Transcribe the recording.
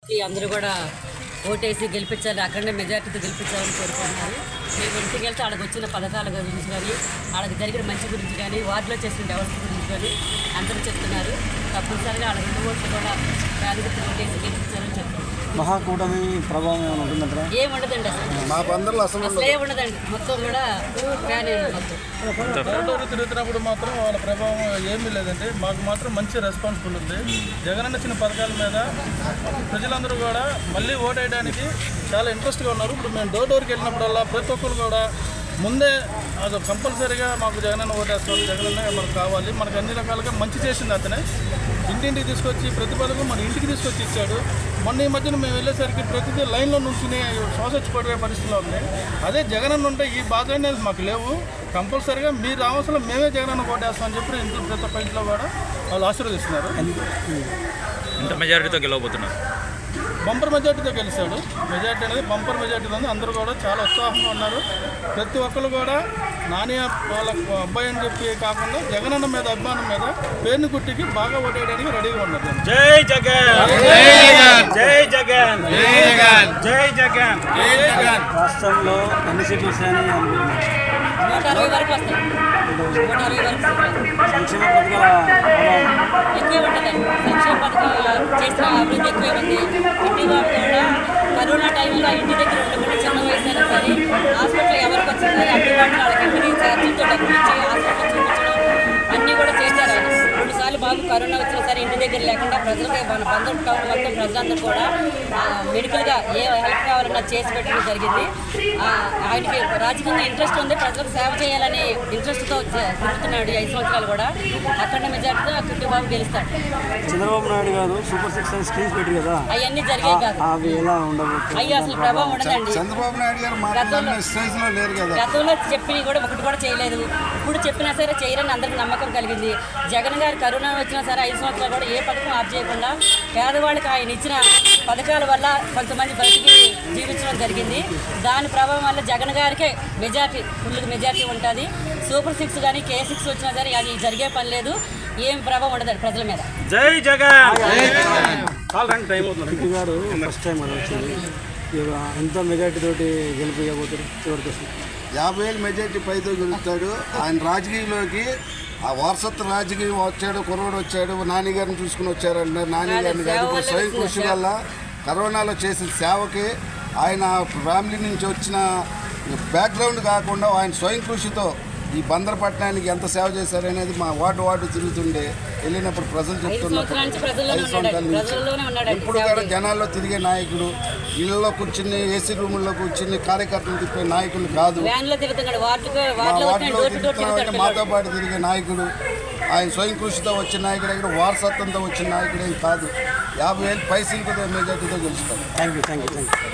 అందరూ కూడా ఓటేసి గెలిపించాలి, అక్కడనే మెజార్టీతో గెలిపించాలని కోరుకుంటున్నారు. మేము ఇంటికి వెళ్తే వాళ్ళకి వచ్చిన పథకాల గురించి కానీ, వాళ్ళకి జరిగిన మంచి గురించి కానీ, వార్డులో చేసిన డెవలప్మెంట్ గురించి కానీ అందరూ చెప్తున్నారు. తప్పనిసరిగా వాళ్ళ 2 ఓట్లు కూడా ప్రాధాన్యత ఓటేసి గెలిపించాలని చెప్తున్నారు. మహాకూటమి ప్రభావం ఏమైనా ఉంటుందంటారా? ఏముండదండి, అసలు ఏముండదండి. మొత్తం కూడా ఫ్యానే మొత్తం తిరుగుతున్నప్పుడు మాత్రం వాళ్ళ ప్రభావం ఏమీ లేదండి. మాకు మాత్రం మంచి రెస్పాన్సిబుల్ ఉంది. జగన్ ఇచ్చిన పథకాల మీద ప్రజలందరూ కూడా మళ్ళీ ఓటు వేయడానికి చాలా ఇంట్రెస్ట్గా ఉన్నారు. ఇప్పుడు మేము డోర్కి వెళ్ళినప్పుడల్లా ప్రతి ఒక్కరు కూడా ముందే అది కంపల్సరీగా మాకు జగనన్న ఓటేస్తాం, జగనన్న మనకు కావాలి, మనకు అన్ని రకాలుగా మంచి చేసింది అతనే. ఇంటింటికి తీసుకొచ్చి ప్రతి పథకం మన ఇంటికి తీసుకొచ్చి ఇచ్చాడు. మొన్న ఈ మధ్యన మేము వెళ్ళేసరికి ప్రతిదీ లైన్లో నుంచుని శ్వాసొచ్చిపడే పరిస్థితిలో ఉంది. అదే జగనన్న ఉంటే ఈ బాధ అనేది మాకు లేవు. కంపల్సరీగా మీరు రావాల్సిన మేమే జగనన్న ఓటేస్తామని చెప్పి ఇంట్లో ప్రతి ఒక్క ఇంట్లో కూడా వాళ్ళు ఆశీర్వదిస్తున్నారు. ఎంత మెజారిటీతో గెలవబోతున్నారు? బంపర్ మెజార్టీతో గెలిచాడు. మెజార్టీ అనేది బంపర్ మెజార్టీతో ఉంది. అందరూ కూడా చాలా ఉత్సాహంగా ఉన్నారు. ప్రతి ఒక్కరు కూడా నాని వాళ్ళ అబ్బాయి అని చెప్పి కాకుండా జగనన్న మీద అభిమానం మీద పేరుని గుట్టికి బాగా ఓటేయడానికి రెడీగా ఉన్నారు. జై జగన్, జై జగన్, జై జగన్, జై జగన్, జై జగన్. రాష్ట్రంలో ఎన్ని సీట్లు వస్తాయని అనుకుంటున్నారు? 160 వరకు వస్తాయి. 160 వరకు సంక్షేమ పథకాల ఎక్కువే ఉంటుందండి. సంక్షేమ పథకాలు చేసిన అభివృద్ధి ఎక్కువే ఉంది. ఇంటి వాళ్ళు కూడా కరోనా టైంలో ఇంటి దగ్గర ఉండకుండా చిన్న వయసు అయినా సరే హాస్పిటల్ ఎవరికి వచ్చిందో అందుబాటులో వాళ్ళకి ఇంటికి ఛార్జీలతో డబ్బులు ఇచ్చి హాస్పిటల్ చూపించడం అన్నీ కూడా చేశారు ఆయన. 2 సార్లు బాబు కరోనా వచ్చినా సరే ఇంటి దగ్గర లేకుండా ప్రజలకి మన బంధం టౌన్ మొత్తం ప్రజలందరూ కూడా మెడికల్గా ఏ హెల్ప్ కావాలన్నా చేసి పెట్టడం జరిగింది. ఆయనకి రాజకీయంగా ఇంట్రెస్ట్ ఉంది, ప్రజలకు సేవ చేయాలనే ఇంట్రెస్ట్తో తిరుగుతున్నాడు. 5 సంవత్సరాలు కూడా అక్కడ మెజార్టీతో కిట్టు బాబు గెలుస్తాడు. చంద్రబాబు నాయుడు గారు సూపర్ 6 స్కీమ్స్ పెట్టారు కదా, అవన్నీ జరిగాయి కాదు. అవి ఎలా ఉండబోతుంది? అయ్యి అసలు ప్రభావం ఉండదండి. చంద్రబాబు నాయుడు గారు గతంలో చెప్పిన కూడా ఒకటి కూడా చేయలేదు. ఇప్పుడు చెప్పినా సరే చేయరని అందరికి నమ్మకం కలిగింది. జగన్ గారు కరోనా వచ్చినా సరే 5 సంవత్సరాలు కూడా ఏ పథకం ఆఫ్ చేయకుండా పేదవాళ్ళకి ఆయన ఇచ్చిన పథకాల వల్ల కొంతమంది బతికి జీవించడం జరిగింది. దాని ప్రభావం వల్ల జగన్ గారికే మెజార్టీ, ఫుల్ మెజార్టీ ఉంటుంది. సూపర్ 6 కానీ K6 వచ్చినా సరే అది జరిగే పని లేదు. ఏం ప్రభావం ఉండదు ప్రజల మీద. జై జగన్. కిట్టు గారు ఫస్ట్ టైం అది వచ్చింది. ఎంత మెజార్టీ తోటి గెలిపిపోతారు? చివరికి 50,000 మెజార్టీ పైతో గెలుస్తాడు. ఆయన రాజకీయంలోకి ఆ వారసత్వ రాజకీయం వచ్చాడు, కుర్రోడు వచ్చాడు, నాని గారిని చూసుకుని వచ్చారంటారు. నాని గారిని కాదు, ఇప్పుడు స్వయం కృషి వల్ల కరోనాలో చేసిన సేవకి ఆయన ఫ్యామిలీ నుంచి వచ్చిన బ్యాక్గ్రౌండ్ కాకుండా ఆయన స్వయం కృషితో ఈ బందరపట్నానికి ఎంత సేవ చేశారనేది మా వార్డు తిరుగుతుండే వెళ్ళినప్పుడు ప్రజలు చెప్తున్నారు. 5 సంవత్సరాల నుంచి ఇప్పుడు కూడా జనాల్లో తిరిగే నాయకుడు, ఇళ్లలో కూర్చుని ఏసీ రూముల్లో కూర్చుని కార్యకర్తలు తిప్పే నాయకులు కాదు. మా వార్డులో తిరుగుతున్నామంటే మాతో పాటు తిరిగే నాయకుడు. ఆయన స్వయం కృషితో వచ్చిన నాయకుడు దగ్గర వారసత్వంతో వచ్చిన నాయకుడు ఏం కాదు. 50,000 పైసలతో మెజార్టీతో గెలుస్తారు. Thank you.